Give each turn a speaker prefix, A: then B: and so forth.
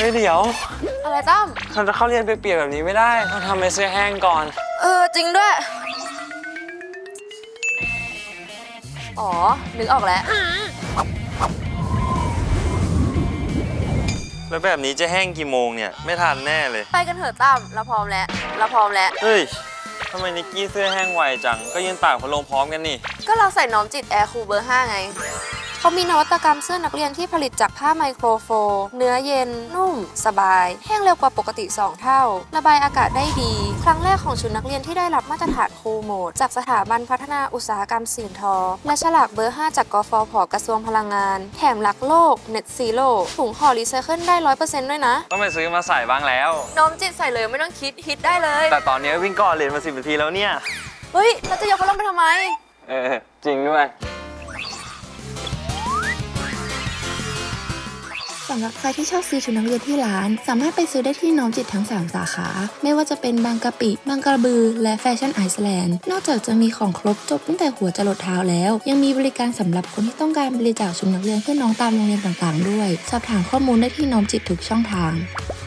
A: ฮ้ยเดี๋ยว
B: อะไรตั้ม
A: เราจะเข้าเรียนเปียกๆแบบนี้ไม่ได้ต้องทำให้เสื้อแห้งก่อน
B: จริงด้วยอ๋อนึกออกแล้ว
A: แล้วแบบนี้จะแห้งกี่โมงเนี่ยไม่ทันแน่เลย
B: ไปกันเถอะตั้มเราพร้อมแล้ว
A: เฮ้ยทำไมนิกกี้เสื้อแห้งไวจังก็ยืนตากพัดลมพร้อมกันนี่
B: ก็เราใส่น้อมจิตแอร์คูลเบอร์ 5ไงเขามีนวัตกรรมเสื้อนักเรียนที่ผลิตจากผ้าไมโครโฟลเนื้อเย็นนุ่มสบายแห้งเร็วกว่าปกติ2เท่าระบายอากาศได้ดีครั้งแรกของชุดนักเรียนที่ได้รับมาตรฐานคูลโหมดจากสถาบันพัฒนาอุตสาหกรรมสิ่งทอและฉลากเบอร์ 5จากกฟผ.กระทรวงพลังงานแถมหลักโลก Net Zero ถุงห่อรีไซเคิลได้ 100% ด้วยนะ
A: ต้องไปซื้อมาใส่บ้างแล้ว
B: น้อมจิตใส่เลยไม่ต้องคิดฮิตได้เลย
A: แต่ตอนนี้วิ่งก่อนเรียนมา10 นาทีแล้วเนี่ย
B: เฮ้ยเราจะยกพัดลมไปทำไม
A: จริงด้วย
C: สำหรับใครที่ชอบซื้อชุดนักเรียนที่ร้านสามารถไปซื้อได้ที่น้อมจิตทั้ง3สาขาไม่ว่าจะเป็นบางกะปิบางกระบือและแฟชั่นไอซ์แลนด์นอกจากจะมีของครบจบตั้งแต่หัวจรดเท้าแล้วยังมีบริการสำหรับคนที่ต้องการบริจาคชุดนักเรียนเพื่อน้องตามโรงเรียนต่างๆด้วยสอบถามข้อมูลได้ที่น้อมจิตทุกช่องทาง